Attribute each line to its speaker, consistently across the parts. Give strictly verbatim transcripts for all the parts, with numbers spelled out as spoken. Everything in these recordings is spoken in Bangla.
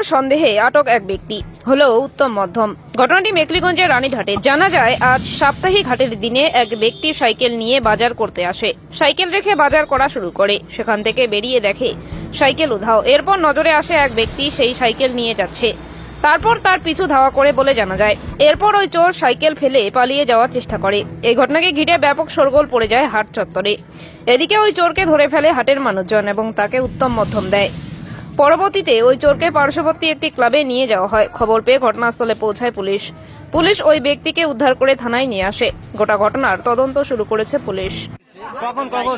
Speaker 1: সন্দেহে আটক এক ব্যক্তি হলো উত্তম মধ্যম। ঘটনাটি মেকলিগঞ্জের রানীঘাটে। জানা যায়, আজ সাপ্তাহিক হাটের দিনে এক ব্যক্তি সাইকেল নিয়ে বাজার করতে আসে। সাইকেল রেখে বাজার করা শুরু করে। সেখান থেকে বেরিয়ে দেখে সাইকেল উধাও। এরপর নজরে আসে এক ব্যক্তি সেই সাইকেল নিয়ে যাচ্ছে। তারপর তার পিছু ধাওয়া করে বলে জানা যায়। এরপর ওই চোর সাইকেল ফেলে পালিয়ে যাওয়ার চেষ্টা করে। এই ঘটনাকে ঘিরে ব্যাপক শোরগোল পড়ে যায় হাট চত্বরে। এদিকে ওই চোরকে ধরে ফেলে হাটের মানুষজন এবং তাকে উত্তম মধ্যম দেয়। পরবর্তীতে ওই চোরকে পার্শ্ববর্তী একটি ক্লাবে নিয়ে যাওয়া হয়। খবর পেয়ে ঘটনাস্থলে পৌঁছায় পুলিশ। পুলিশ ওই ব্যক্তিকে উদ্ধার করে থানায় নিয়ে আসে। গোটা ঘটনার তদন্ত শুরু করেছে পুলিশ।
Speaker 2: কখন কখন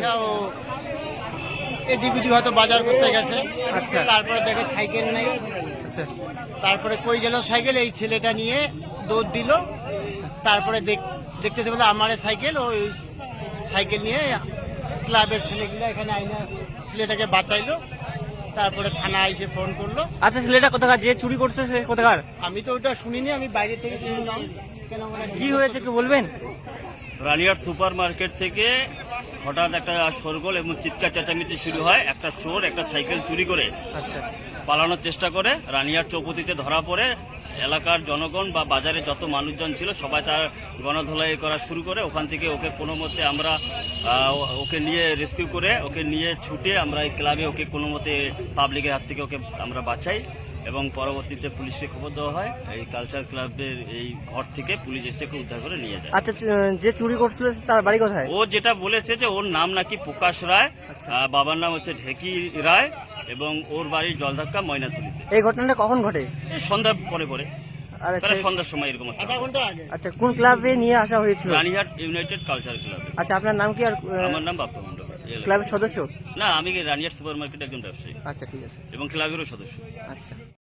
Speaker 3: এদিক ওদিক হয়তো বাজার করতে গেছে।
Speaker 2: আচ্ছা।
Speaker 3: তারপরে দেখে সাইকেল নাই।
Speaker 2: আচ্ছা
Speaker 3: তারপরে কই গেল সাইকেল, এই ছেলেটা নিয়ে দৌড় দিল। তারপরে দেখ- দেখতেছে বলে আমার সাইকেল, ওই সাইকেল নিয়ে ক্লাবের ছেলেগুলো এখানে আইনা ছেলেটাকে বাঁচাইলো। তারপরে থানা এসে ফোন করলো।
Speaker 2: আচ্ছা ছেলেটা কোথাকার, যে চুরি করছে সে কোথাকার?
Speaker 3: আমি তো ওটা শুনিনি, আমি বাইরে থেকে শুনলাম। কেন মানে
Speaker 2: কি হয়েছে একটু বলবেন?
Speaker 4: রানিয়ার সুপার মার্কেট থেকে হঠাৎ একটা শোরগোল এবং চিৎকার চেঁচামেচি শুরু হয়। একটা চোর একটা সাইকেল চুরি করে
Speaker 2: আচ্ছা
Speaker 4: পালানোর চেষ্টা করে। রানিয়ার চৌপতিতে ধরা পড়ে। এলাকার জনগণ বা বাজারে যত মানুষজন ছিল সবাই তার গণধোলাই করা শুরু করে। ওখান থেকে ওকে কোনো মতে আমরা আহ, ওকে নিয়ে রেস্কিউ করে ওকে নিয়ে ছুটে আমরা এই ক্লাবে ওকে কোনো মতে পাবলিকের হাত থেকে ওকে আমরা বাঁচাই এবং পরবর্তীতে পুলিশকে খবর দেওয়া হয়। এই কালচার ক্লাবের এই ঘর থেকে পুলিশ এসে ওকে উদ্ধার করে নিয়ে যায়।
Speaker 2: আচ্ছা চু- যে চুরি করছিল তার বাড়ি কোথায়?
Speaker 4: ও যেটা বলেছে যে ওর নাম নাকি প্রকাশ রায়,
Speaker 2: আচ্ছা।
Speaker 4: আহ, বাবার নাম হচ্ছে ঢেকি রায় এবং ওর বাড়ি জলধাক্কা ময়নাতুলিতে।
Speaker 2: এই ঘটনাটা কখন ঘটে?
Speaker 4: এই সন্ধ্যা পরে পরে
Speaker 2: আর
Speaker 4: প্রায়
Speaker 2: আচ্ছা-
Speaker 4: সন্ধ্যার সময় এরকম একটা।
Speaker 3: আধা ঘন্টা আগে।
Speaker 2: আচ্ছা কোন ক্লাবে নিয়ে আসা হয়েছিল?
Speaker 4: রানীহাট ইউনাইটেড কালচার ক্লাবে।
Speaker 2: আচ্ছা আপনার নাম কি আর আহ,
Speaker 4: আমার নাম বাপ্পা মণ্ডল। এই এলাকার।
Speaker 2: ক্লাবের সদস্য?
Speaker 4: না, আমি রানীহাট সুপার মার্কেটের একজন ব্যবসায়ী
Speaker 2: আচ্ছা ঠিক আছে।
Speaker 4: এবং ক্লাবেরও সদস্য।
Speaker 2: আচ্ছা।